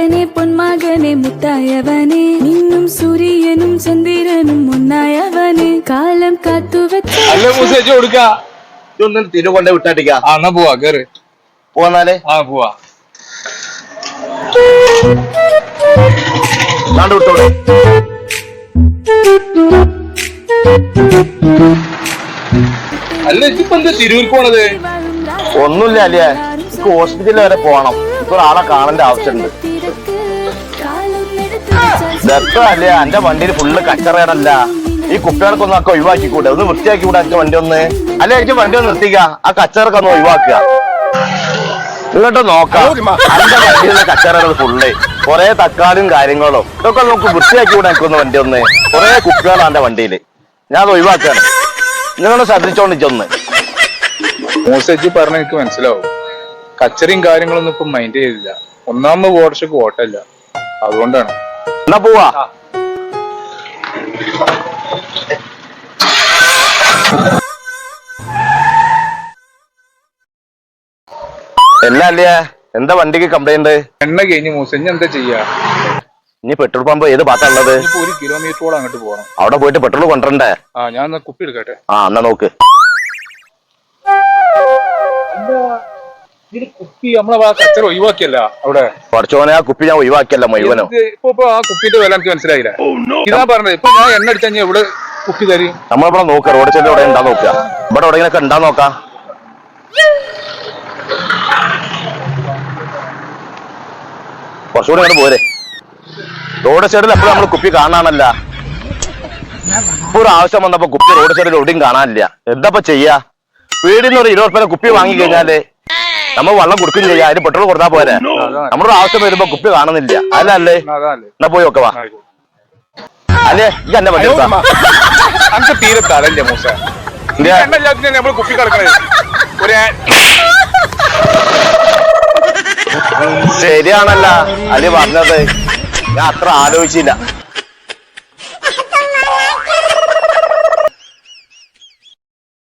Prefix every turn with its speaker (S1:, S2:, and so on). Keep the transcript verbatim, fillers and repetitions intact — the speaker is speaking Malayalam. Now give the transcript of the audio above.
S1: മുത്തപ്പനെ പൊന്മകനെ മുത്തായവനെ നിന്നും സൂര്യനും ചന്ദ്രനും ഒന്നായവനെ കാലം കാത്തുവെച്ച
S2: തിരു കൊണ്ട് വിട്ടാട്ടിക്കാ
S3: എന്നാ പോവാ കേറ്
S2: പോന്നാലേ
S3: ആ പോവാ
S2: വിട്ടോളൂ.
S3: അല്ല ഇതിപ്പോ എന്താ തിരൂർക്ക് പോണത്?
S2: ഒന്നുമില്ല അല്ലേ, എനിക്ക് ഹോസ്പിറ്റലിൽ വരെ പോണം. ഇപ്പൊ ആളെ കാണേണ്ട ആവശ്യമുണ്ട്. ഇതൊക്കെ അല്ലേ എന്റെ വണ്ടിയിൽ ഫുള്ള് കച്ചറയാണല്ല. ഈ കുപ്പികൾക്കൊന്നും ഒക്കെ ഒഴിവാക്കിക്കൂടെ, ഒന്ന് വൃത്തിയാക്കി കൂടെ എനിക്ക് വണ്ടി ഒന്ന്. അല്ലെ എനിക്ക് വണ്ടി ഒന്ന് നിർത്തിക്ക, ആ കച്ചറൊക്കെ ഒന്ന് ഒഴിവാക്കുക. ഇങ്ങോട്ട് നോക്കാം എന്റെ വണ്ടിയിലെ കച്ചറകൾ ഫുള്ള് കൊറേ തക്കാളിയും കാര്യങ്ങളും ഇതൊക്കെ നമുക്ക് വൃത്തിയാക്കി കൂടെ എനിക്കൊന്ന് വണ്ടി ഒന്ന്. കൊറേ കുപ്പികളാണ് എന്റെ വണ്ടിയില്, ഞാൻ അത് ഒഴിവാക്കാണ്. നിങ്ങളൊന്ന് ശ്രദ്ധിച്ചോണ്ടിച്ചൊന്ന്.
S3: മൂസേജി പറഞ്ഞ എനിക്ക് മനസ്സിലാവും. കച്ചറയും കാര്യങ്ങളൊന്നും ഇപ്പൊ മൈൻഡ് ചെയ്തില്ല. ഒന്നാമത് ഓട്ടർക്ക് ഓട്ടല്ല, അതുകൊണ്ടാണ്.
S2: എന്നാ പോവാ. എല്ലാ അല്ലേ എന്താ വണ്ടിക്ക് കംപ്ലൈന്റ്?
S3: എണ്ണ കഴിഞ്ഞ് മൂസ ഇനി എന്താ ചെയ്യാ?
S2: ഇനി പെട്രോൾ പമ്പ് ഏത് ഭാഗത്തുള്ളത്?
S3: ഒരു കിലോമീറ്ററോളം അങ്ങോട്ട് പോകണം.
S2: അവിടെ പോയിട്ട് പെട്രോൾ കൊണ്ടുവരണ്ടേ?
S3: ആ ഞാൻ കുപ്പി എടുക്കട്ടെ.
S2: ആ എന്നാ നോക്ക്.
S3: കുപ്പി നമ്മളെ ആ കച്ചറ ഒഴിവാക്കിയല്ല അവിടെ.
S2: കുറച്ചോനെ ആ കുപ്പി ഞാൻ ഒഴിവാക്കിയല്ല മുഴുവനോ.
S3: ഇപ്പൊ ഇപ്പൊ ആ കുപ്പിന്റെ വില എനിക്ക് മനസ്സിലായില്ല. ഇതാ പറഞ്ഞത്. ഇപ്പൊ ഞാൻ എണ്ണ അടിച്ചാൽ എവിടെ കുപ്പി തരും?
S2: നമ്മളിവിടെ നോക്കുക, റോഡ് സൈഡിൽ ഇവിടെ ഉണ്ടാ നോക്കുക. ഇവിടെ എവിടെയെങ്കിലൊക്കെ ഉണ്ടാ നോക്കാം. കുറച്ചുകൂടി അങ്ങോട്ട് പോരെ. റോഡ് സൈഡിൽ എപ്പോഴും നമ്മൾ കുപ്പി കാണാനല്ല. ഇപ്പൊ ഒരു ആവശ്യം വന്നപ്പോ കുപ്പി റോഡ് സൈഡിൽ എവിടെയും കാണാനില്ല. എന്താ ചെയ്യാ? വീടിന്ന് ഒരു ഇരുപത് രൂപ കുപ്പി വാങ്ങി കഴിഞ്ഞാല് നമ്മൾ വെള്ളം കൊടുക്കും ചെയ്യാം, അതിന് പെട്രോൾ കൊടുത്താൽ പോരെ. നമ്മുടെ ആവശ്യം വരുമ്പോ കുപ്പി കാണുന്നില്ല. അല്ലേ എന്നാ പോയി നോക്കവാ. അല്ലേ ഈ എന്നെ വണ്ടി
S3: തീരെ തലല്ലേ മൂസ. നമ്മള് കുപ്പി കിടക്കണേ.
S2: ശരിയാണല്ല അലി പറഞ്ഞത്, ഞാൻ അത്ര ആലോചിച്ചില്ല.